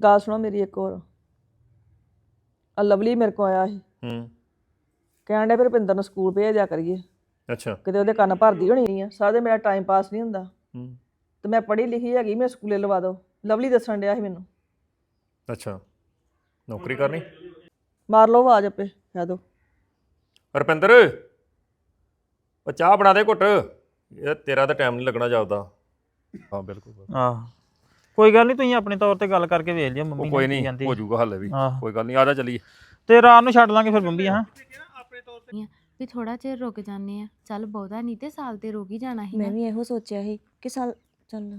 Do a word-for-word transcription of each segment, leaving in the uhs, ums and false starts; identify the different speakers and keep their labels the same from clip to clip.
Speaker 1: ਗੱਲ ਸੁਣੋ ਮੇਰੀ ਇੱਕ ਹੋਰ। ਆ ਲਵਲੀ ਮੇਰੇ ਕੋਲ ਆਇਆ ਸੀ
Speaker 2: ਹੂੰ
Speaker 1: ਕਹਿਣ ਡਿਆ ਵੀ ਰੁਪਿੰਦਰ ਨੂੰ ਸਕੂਲ ਭੇਜ ਦਿਆ ਕਰੀਏ,
Speaker 2: ਅੱਛਾ
Speaker 1: ਕਿਤੇ ਉਹਦੇ ਕੰਨ ਭਰਦੀ ਹੋਣੀ ਆ। ਸਾਰਾ ਦਿਨ ਮੇਰਾ ਟਾਈਮ ਪਾਸ ਨਹੀਂ ਹੁੰਦਾ
Speaker 2: ਹੂੰ
Speaker 1: ਤੇ ਮੈਂ ਪੜ੍ਹੀ ਲਿਖੀ ਹੈਗੀ, ਮੈਂ ਸਕੂਲੇ ਲਵਾ ਦਿਓ। ਲਵਲੀ ਦੱਸਣ ਡਿਆ ਸੀ ਮੈਨੂੰ।
Speaker 2: ਅੱਛਾ ਨੌਕਰੀ ਕਰਨੀ।
Speaker 1: ਮਾਰ ਲਓ ਆਵਾਜ਼ ਆਪੇ ਕਹਿ ਦਿਓ।
Speaker 2: ਰੁਪਿੰਦਰ ਉਹ ਚਾਹ ਬਣਾ ਦੇ ਘੁੱਟ, ਇਹ ਤੇਰਾ ਤਾਂ ਟਾਈਮ ਨਹੀਂ ਲੱਗਣਾ ਜਾਪਦਾ। ਹਾਂ ਬਿਲਕੁਲ
Speaker 3: ਆਹ ਕੋਈ ਗੱਲ ਨਹੀਂ, ਤੁਸੀਂ ਆਪਣੇ ਤੌਰ ਤੇ ਗੱਲ ਕਰਕੇ ਵੇਖ ਲਿਓ ਮੰਮੀ
Speaker 2: ਉਹ ਕੋਈ
Speaker 3: ਨੇ ਕੀ
Speaker 2: ਨਹੀਂ
Speaker 3: ਕਹਿੰਦੀ
Speaker 2: ਹੋ ਜਾਊਗਾ ਹਾਲੇ ਵੀ,
Speaker 3: ਆਹ।
Speaker 2: ਕੋਈ ਗੱਲ ਨਹੀਂ ਆ ਜਾ ਚੱਲੀਏ।
Speaker 3: ਤੇ ਰਾਤ ਨੂੰ ਛੱਡ ਲਾਂਗੇ ਫਿਰ ਬੰਬੀ। ਹਾਂ
Speaker 4: ਵੀ ਥੋੜਾ ਚਿਰ ਰੁਕ ਜਾਂਦੇ ਆ, ਚੱਲ ਬਹੁਤਾ ਨਹੀਂ ਤੇ ਸਾਲ ਤੇ ਰੁਕ ਹੀ ਜਾਣਾ ਸੀ
Speaker 5: ਮੈਂ
Speaker 4: ਨਾ।
Speaker 5: ਵੀ ਇਹੋ ਸੋਚਿਆ ਸੀ ਕਿ ਸਾਲ ਚੱਲ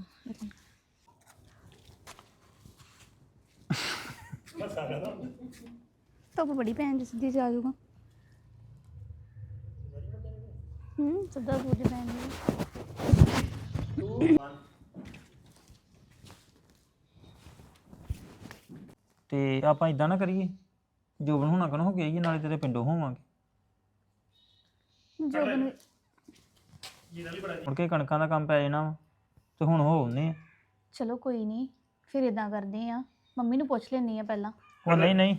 Speaker 6: ਧੁੱਪ ਬੜੀ ਭੈਣ ਜੀ ਸਿੱਧੀ ਜਾ ਜਾਊਗਾ। ਹੂੰ ਸਿੱਧਾ ਸੂਰਜ ਭੈਣ ਜੀ।
Speaker 3: ਤੇ ਆਪਾਂ ਇਦਾਂ ਨਾ ਕਰੀਏ, ਜੋਬਨ ਹੋਣਾ ਕਨ ਹੋ ਗਿਆ ਹੀ ਨਾਲੇ ਤੇਰੇ ਪਿੰਡੋਂ ਹੋਵਾਂਗੇ,
Speaker 6: ਜੋਬਨ
Speaker 3: ਮੁੜ ਕੇ ਕਣਕਾਂ ਦਾ ਕੰਮ ਪੈ ਜਾਣਾ ਵਾ ਤੇ ਹੁਣ ਹੋ ਆਉਂਦੇ ਆ।
Speaker 6: ਚਲੋ ਕੋਈ ਨਹੀਂ, ਫਿਰ ਇਦਾਂ ਕਰਦੇ ਆ, ਮੰਮੀ ਨੂੰ ਪੁੱਛ ਲੈਣੀ ਆ ਪਹਿਲਾਂ।
Speaker 3: ਉਹ ਨਹੀਂ ਨਹੀਂ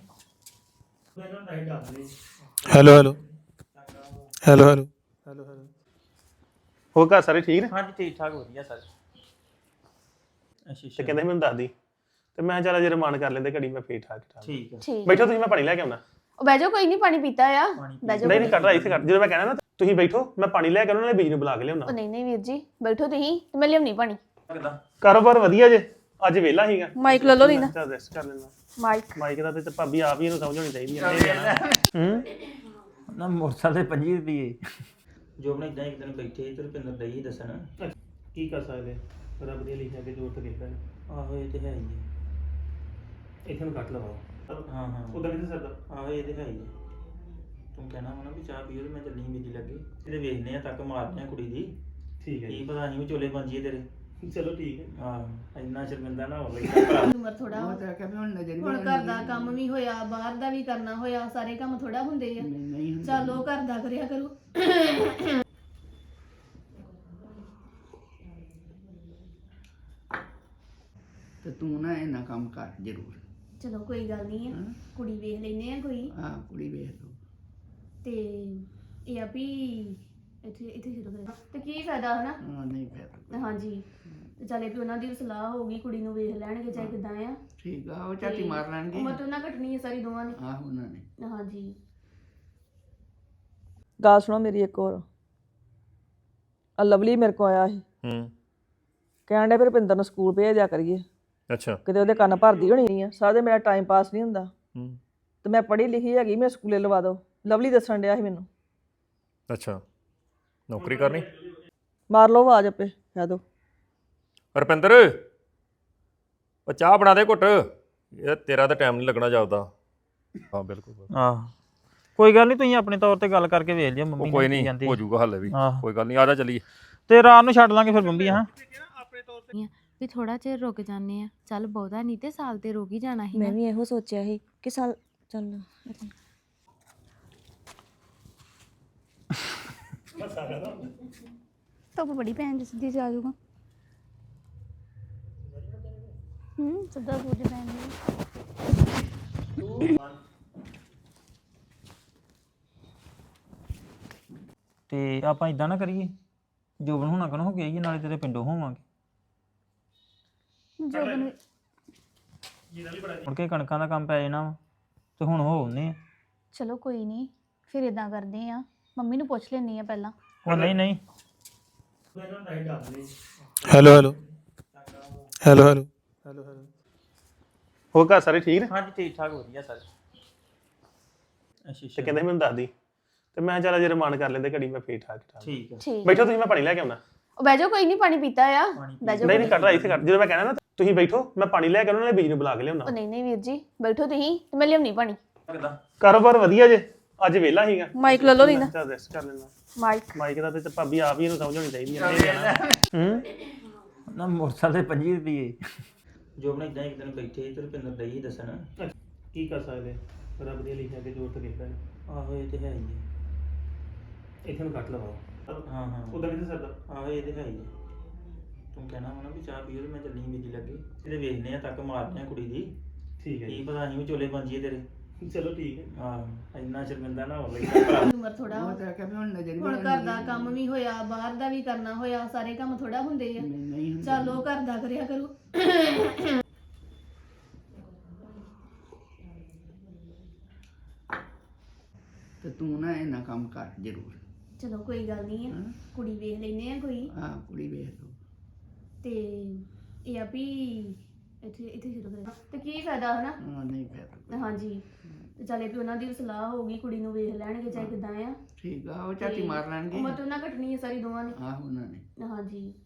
Speaker 7: hello hello hello hello hello hello ਹੋਰ ਘਰ ਸਾਰੇ ਠੀਕ ਨੇ?
Speaker 3: ਹਾਂਜੀ ਠੀਕ ਠਾਕ ਵਧੀਆ ਸਰ। ਅੱਛਾ
Speaker 7: ਤੇ
Speaker 3: ਅੱਛਾ
Speaker 7: ਕਹਿੰਦੇ ਸੀ ਮੈਨੂੰ ਦੱਸ ਦੀ, ਤੇ ਮੈਂ ਚੱਲ ਜੇ ਰਮਾਨ ਕਰ ਲੈਂਦੇ ਘੜੀ, ਮੈਂ ਫੇਰ ਠਾਕ ਠਾਕ
Speaker 3: ਠੀਕ ਹੈ।
Speaker 6: ਠੀਕ
Speaker 7: ਬੈਠੋ ਤੁਸੀਂ, ਮੈਂ ਪਾਣੀ ਲੈ ਕੇ ਆਉਣਾ।
Speaker 6: ਉਹ ਬਹਿ ਜਾਓ, ਕੋਈ ਨਹੀਂ, ਪਾਣੀ ਪੀਤਾ ਆ। ਬਹਿ ਜਾਓ।
Speaker 7: ਨਹੀਂ ਨਹੀਂ ਕੱਢ ਇੱਥੇ ਕੱਢ, ਜਦੋਂ ਮੈਂ ਕਹਿਣਾ ਨਾ ਤੁਸੀਂ ਬੈਠੋ, ਮੈਂ ਪਾਣੀ ਲੈ ਕੇ ਉਹਨਾਂ ਨੇ ਬੀਜ ਨੂੰ ਬੁਲਾ ਕੇ ਲਿਆਉਣਾ।
Speaker 6: ਉਹ ਨਹੀਂ ਨਹੀਂ ਵੀਰ ਜੀ, ਬੈਠੋ ਤੁਸੀਂ ਤੇ ਮੈਂ ਲਿਆਉਣੀ ਪਾਣੀ।
Speaker 7: ਕਾਰੋਬਾਰ ਵਧੀਆ ਜੇ, ਅੱਜ ਵਿਹਲਾ ਸੀਗਾ।
Speaker 6: ਮਾਈਕ ਲੈ ਲਓ ਲੀਨਾ।
Speaker 7: ਚੱਲ ਰੈਸਟ ਕਰ ਲੈਣਾ।
Speaker 6: ਮਾਈਕ
Speaker 7: ਮਾਈਕ ਦਾ ਤੇ ਭਾਬੀ ਆਪ ਹੀ ਇਹਨੂੰ ਸਮਝ ਹੋਣੀ ਚਾਹੀਦੀ ਹੈ। ਹੂੰ
Speaker 3: ਨਾ ਮੋਟਰਸਾਈਕਲ ਤੇ ਪੰਜੀ ਰੁਪਏ ਜੋਬਨ ਇਦਾਂ ਇੱਕ ਦਿਨ ਬੈਠੇ ਤੇ ਰੁਪਿੰਦਰ ਦਈ ਦੱਸਣ
Speaker 7: ਕੀ ਕਰ ਸਕਦੇ, ਰੱਬ ਦੀਆਂ ਲਿਖਿਆ ਕੇ ਜੋਰ ਤੇ ਦੇਖਦਾ।
Speaker 3: ਆਹੋ ਇਹ ਤੇ ਹੈ ਹੀ
Speaker 7: ਇੱਥੇ ਨੂੰ ਕੱਟ ਲਵਾਓ।
Speaker 3: ਹੈ। ਹਾਂ ਹਾਂ
Speaker 7: ਉਦਾਂ ਨਹੀਂ ਸਰਦਾ।
Speaker 3: ਆਹੋ ਇਹ ਤੇ ਹੈ ਹੀ ਹੈ। ਤੂੰ ਕਹਿਣਾ ਵਾ ਨਾ ਵੀ ਚਾਹ ਪੀਓ ਤੇ ਮੈਂ ਚੱਲੀ ਮੇਰੀ ਲੱਗੇ, ਇਹਦੇ ਵੇਖਨੇ ਆ ਤੱਕ ਮਾਰਨੇ ਆ ਕੁੜੀ ਦੀ।
Speaker 7: ਠੀਕ ਹੈ
Speaker 3: ਕੀ
Speaker 7: ਜੀ,
Speaker 3: ਪਤਾ ਅਸੀਂ ਵੀ ਚੋਲੇ ਪੰਜੀਏ ਤੇਰੇ।
Speaker 7: ਚਲੋ ਠੀਕ ਹੈ।
Speaker 3: ਆਹ ਇੰਨਾ ਸ਼ਰਮਿੰਦਾ ਨਾ ਹੋ ਲੱਗਦਾ।
Speaker 8: ਉਮਰ ਥੋੜਾ ਹੁਣ ਘਰ ਦਾ ਕੰਮ ਵੀ ਹੋਇਆ, ਬਾਹਰ ਦਾ ਵੀ ਕਰਨਾ ਹੋਇਆ, ਸਾਰੇ ਕੰਮ ਥੋੜਾ ਹੁੰਦੇ ਆ। ਚਲੋ ਘਰ ਦਾ ਕਰਿਆ ਕਰੋ।
Speaker 9: ਤੇ ਤੂੰ ਨਾ ਇਹਨਾਂ ਕੰਮ ਕਰ ਜ਼ਰੂਰ।
Speaker 8: ਚਲੋ ਕੋਈ ਗੱਲ ਨਹੀਂ ਆ, ਕੁੜੀ ਵੇਖ ਲੈਨੇ ਆ ਕੋਈ।
Speaker 9: ਆਹ ਕੁੜੀ ਵੇਖ ਲਓ।
Speaker 8: ਤੇ ਇਹ ਆ ਵੀ ਇੱਥੇ ਇੱਥੇ ਸ਼ੁਰੂ ਕਰਾਂ ਤੇ ਕੀ ਫਾਇਦਾ ਹਨਾ।
Speaker 9: ਹਾਂ ਨਹੀਂ ਫਿਰ
Speaker 8: ਹਾਂਜੀ, ਤੇ ਚੱਲੇ ਵੀ ਉਹਨਾਂ ਦੀ ਵੀ ਸਲਾਹ ਹੋਊਗੀ, ਕੁੜੀ ਨੂੰ ਵੇਖ ਲੈਣਗੇ ਚਾਹੇ ਕਿਦਾਂ ਆ।
Speaker 9: ਠੀਕ ਆ, ਉਹ ਝਾਤੀ ਮਾਰ ਲੈਣਗੇ।
Speaker 8: ਉਮਰ ਤੋਂ ਨਾ ਘਟਣੀ ਹੈ ਸਾਰੀ ਦੋਵਾਂ ਨੇ।
Speaker 9: ਆਹ ਉਹਨਾਂ ਨੇ।
Speaker 8: ਹਾਂਜੀ
Speaker 1: ਗੱਲ ਸੁਣੋ ਮੇਰੀ ਇੱਕ ਹੋਰ। ਆ ਲਵਲੀ ਮੇਰੇ ਕੋਲ ਆਇਆ ਸੀ
Speaker 2: ਹੂੰ
Speaker 1: ਕਹਿਣ ਡਿਆ ਵੀ ਰੁਪਿੰਦਰ ਨੂੰ ਸਕੂਲ ਭੇਜ ਦਿਆ ਕਰੀਏ,
Speaker 2: ਅੱਛਾ
Speaker 1: ਕਿਤੇ ਉਹਦੇ ਕੰਨ ਭਰਦੀ ਹੋਣੀ ਆ। ਸਾਰਾ ਦਿਨ ਮੇਰਾ ਟਾਈਮ ਪਾਸ ਨਹੀਂ ਹੁੰਦਾ
Speaker 2: ਹੂੰ
Speaker 1: ਤੇ ਮੈਂ ਪੜ੍ਹੀ ਲਿਖੀ ਹੈਗੀ, ਮੈਂ ਸਕੂਲੇ ਲਵਾ ਦਿਓ। ਲਵਲੀ ਦੱਸਣ ਡਿਆ ਸੀ ਮੈਨੂੰ।
Speaker 2: ਅੱਛਾ ਨੌਕਰੀ ਕਰਨੀ।
Speaker 1: ਮਾਰ ਲਓ ਆਵਾਜ਼ ਆਪੇ ਕਹਿ ਦਿਓ।
Speaker 2: ਰੁਪਿੰਦਰ ਉਹ ਚਾਹ ਬਣਾ ਦੇ ਘੁੱਟ, ਇਹ ਤੇਰਾ ਤਾਂ ਟਾਈਮ ਨਹੀਂ ਲੱਗਣਾ ਜਾਪਦਾ। ਹਾਂ ਬਿਲਕੁਲ
Speaker 3: ਆਹ ਕੋਈ ਗੱਲ ਨਹੀਂ, ਤੁਸੀਂ ਆਪਣੇ ਤੌਰ ਤੇ ਗੱਲ ਕਰਕੇ ਵੇਖ ਲਿਓ ਮੰਮੀ
Speaker 2: ਉਹ
Speaker 3: ਨੇ
Speaker 2: ਕੋਈ
Speaker 3: ਕੀ
Speaker 2: ਨਹੀਂ
Speaker 3: ਕਹਿੰਦੀ
Speaker 2: ਹੋ ਜਾਊਗਾ ਹਾਲੇ ਵੀ,
Speaker 3: ਆਹ।
Speaker 2: ਕੋਈ ਗੱਲ ਨਹੀਂ ਆ ਜਾ ਚੱਲੀਏ।
Speaker 3: ਤੇ ਰਾਤ ਨੂੰ ਛੱਡ ਲਾਂਗੇ ਫਿਰ ਬੰਬੀ। ਹਾਂ
Speaker 4: ਵੀ ਥੋੜਾ ਚਿਰ ਰੁਕ ਜਾਂਦੇ ਆ, ਚੱਲ ਬਹੁਤਾ ਨਹੀਂ ਤੇ ਸਾਲ ਤੇ ਰੁਕ ਹੀ ਜਾਣਾ ਸੀ
Speaker 5: ਮੈਂ
Speaker 4: ਨਾ।
Speaker 5: ਵੀ ਇਹੋ ਸੋਚਿਆ ਸੀ ਕਿ ਸਾਲ ਚੱਲ
Speaker 6: ਧੁੱਪ ਬੜੀ ਭੈਣ ਜੀ ਸਿੱਧੀ ਜਾ ਜਾਊਗਾ। ਹੂੰ ਸਿੱਧਾ ਸੂਰਜ ਭੈਣ ਜੀ।
Speaker 3: ਤੇ ਆਪਾਂ ਇਦਾਂ ਨਾ ਕਰੀਏ, ਜੋਬਨ ਹੋਣਾ ਕਨ ਹੋ ਗਿਆ ਹੀ ਨਾਲੇ ਤੇਰੇ ਪਿੰਡੋਂ ਹੋਵਾਂਗੇ,
Speaker 6: ਜੋਬਨ
Speaker 3: ਮੁੜ ਕੇ ਕਣਕਾਂ ਦਾ ਕੰਮ ਪੈ ਜਾਣਾ ਵਾ ਤੇ ਹੁਣ ਹੋ ਆਉਂਦੇ ਆ।
Speaker 6: ਚਲੋ ਕੋਈ ਨਹੀਂ, ਫਿਰ ਇਦਾਂ ਕਰਦੇ ਆ, ਮੰਮੀ ਨੂੰ ਪੁੱਛ ਲੈਣੀ ਆ ਪਹਿਲਾਂ।
Speaker 3: ਉਹ ਨਹੀਂ ਨਹੀਂ
Speaker 7: hello hello hello hello hello hello ਹੋਰ ਘਰ ਸਾਰੇ ਠੀਕ ਨੇ?
Speaker 3: ਹਾਂਜੀ ਠੀਕ ਠਾਕ ਵਧੀਆ ਸਰ। ਅੱਛਾ
Speaker 7: ਤੇ
Speaker 3: ਅੱਛਾ
Speaker 7: ਕਹਿੰਦੇ ਸੀ ਮੈਨੂੰ ਦੱਸ ਦੀ, ਤੇ ਮੈਂ ਚੱਲ ਜੇ ਰਮਾਨ ਕਰ ਲੈਂਦੇ ਘੜੀ, ਮੈਂ ਫੇਰ ਠਾਕ ਠਾਕ
Speaker 3: ਠੀਕ ਹੈ।
Speaker 6: ਠੀਕ
Speaker 7: ਬੈਠੋ ਤੁਸੀਂ, ਮੈਂ ਪਾਣੀ ਲੈ ਕੇ ਆਉਣਾ।
Speaker 6: ਉਹ ਬਹਿ ਜਾਓ, ਕੋਈ ਨਹੀਂ, ਪਾਣੀ ਪੀਤਾ ਆ। ਬਹਿ ਜਾਓ।
Speaker 7: ਨਹੀਂ ਨਹੀਂ ਕੱਢ ਇੱਥੇ ਕੱਢ, ਜਦੋਂ ਮੈਂ ਕਹਿਣਾ ਨਾ ਤੁਸੀਂ ਬੈਠੋ, ਮੈਂ ਪਾਣੀ ਲੈ ਕੇ ਉਹਨਾਂ ਨੇ ਬੀਜ ਨੂੰ ਬੁਲਾ ਕੇ ਲਿਆਉਣਾ।
Speaker 6: ਉਹ ਨਹੀਂ ਨਹੀਂ ਵੀਰ ਜੀ, ਬੈਠੋ ਤੁਸੀਂ ਤੇ ਮੈਂ ਲਿਆਉਣੀ ਪਾਣੀ।
Speaker 7: ਕਾਰੋਬਾਰ ਵਧੀਆ ਜੇ, ਅੱਜ ਵਿਹਲਾ ਸੀਗਾ।
Speaker 6: ਮਾਈਕ ਲੈ ਲਓ ਲੀਨਾ।
Speaker 7: ਚੱਲ ਰੈਸਟ ਕਰ ਲੈਣਾ।
Speaker 6: ਮਾਈਕ
Speaker 7: ਮਾਈਕ ਦਾ ਤੇ ਭਾਬੀ ਆਪ ਹੀ ਇਹਨੂੰ ਸਮਝ ਹੋਣੀ ਚਾਹੀਦੀ ਹੈ। ਹੂੰ
Speaker 3: ਨਾ ਮੋਟਰਸਾਈਕਲ ਤੇ ਪੰਜੀ ਰੁਪਏ ਜੋਬਨ ਇਦਾਂ ਇੱਕ ਦਿਨ ਬੈਠੇ ਤੇ ਰੁਪਿੰਦਰ ਦਈ ਦੱਸਣ
Speaker 7: ਕੀ ਕਰ ਸਕਦੇ, ਰੱਬ ਦੀਆਂ ਲਿਖਿਆ ਕੇ ਜੋਰ ਤੇ ਦੇਖਦਾ।
Speaker 3: ਆਹੋ ਇਹ ਤੇ ਹੈ ਹੀ ਹੈ।
Speaker 7: ਇੱਥੇ ਨੂੰ ਕੱਟ ਲਵਾਓ।
Speaker 3: ਹਾਂ ਹਾਂ
Speaker 7: ਉਦਾਂ ਨਹੀਂ ਸਰਦਾ।
Speaker 3: ਆਹੋ ਇਹ ਤੇ ਹੈ ਹੀ ਹੈ। ਤੂੰ ਕਹਿਣਾ ਵਾ ਨਾ ਵੀ ਚਾਹ ਪੀਓ ਤੇ ਮੈਂ ਚੱਲੀ ਮੇਰੀ ਲੱਗੇ, ਇਹਦੇ ਵੇਖਨੇ ਆ ਤੱਕ ਮਾਰਨੇ ਆ ਕੁੜੀ ਦੀ। ਠੀਕ ਹੈ ਕੀ ਪਤਾ ਅਸੀਂ ਵੀ ਚੋਲੇ ਬੰਜੀਏ ਤੇਰੇ ਚਲੋ ਠੀਕ ਹੈ ਹਾਂ ਇੰਨਾ ਸ਼ਰਮਿੰਦਾ ਨਾ ਹੋ ਲਈ
Speaker 8: ਉਮਰ ਥੋੜਾ
Speaker 9: ਉਹ ਤਾਂ ਆਖਿਆ ਵੀ ਹੁਣ ਨਜ਼ਰ
Speaker 8: ਹੁਣ ਘਰ ਦਾ ਕੰਮ ਵੀ ਹੋਇਆ ਬਾਹਰ ਦਾ ਵੀ ਕਰਨਾ ਹੋਇਆ ਸਾਰੇ ਕੰਮ ਥੋੜਾ ਹੁੰਦੇ ਆ
Speaker 9: ਨਹੀਂ ਹੁੰਦੇ।
Speaker 8: ਚੱਲ ਉਹ ਘਰ ਦਾ ਕਰਿਆ ਕਰੋ
Speaker 9: ਤੇ ਤੂੰ ਨਾ ਇਹਨਾਂ ਕੰਮ ਕਰ ਜ਼ਰੂਰ।
Speaker 8: ਚਲੋ ਕੋਈ ਗੱਲ ਨਹੀਂ ਆ ਕੁੜੀ ਵੇਖ ਲੈਨੇ ਆ ਕੋਈ
Speaker 9: ਆ ਕੁੜੀ ਵੇਖ ਲਓ।
Speaker 8: ਤੇ ਇਹ ਆ ਵੀ ਇੱਥੇ ਇੱਥੇ ਸ਼ੁਰੂ ਕਰਾਂ ਤੇ ਕੀ ਫਾਇਦਾ ਹਨਾ
Speaker 9: ਹਾਂ ਨਹੀਂ ਫਿਰ
Speaker 8: ਹਾਂਜੀ ਤੇ ਚੱਲੇ ਵੀ ਉਹਨਾਂ ਦੀ ਵੀ ਸਲਾਹ ਹੋਊਗੀ ਕੁੜੀ ਨੂੰ ਵੇਖ ਲੈਣਗੇ ਚਾਹੇ ਕਿਦਾਂ ਆ
Speaker 9: ਠੀਕ ਆ ਉਹ ਝਾਤੀ ਮਾਰ ਲੈਣਗੇ।
Speaker 8: ਉਮਰ ਤਾਂ ਉਹਨਾਂ ਘਟਣੀ ਹੈ ਸਾਰੀ ਦੋਵਾਂ ਨੇ
Speaker 9: ਆਹ ਉਹਨਾਂ ਨੇ
Speaker 8: ਹਾਂਜੀ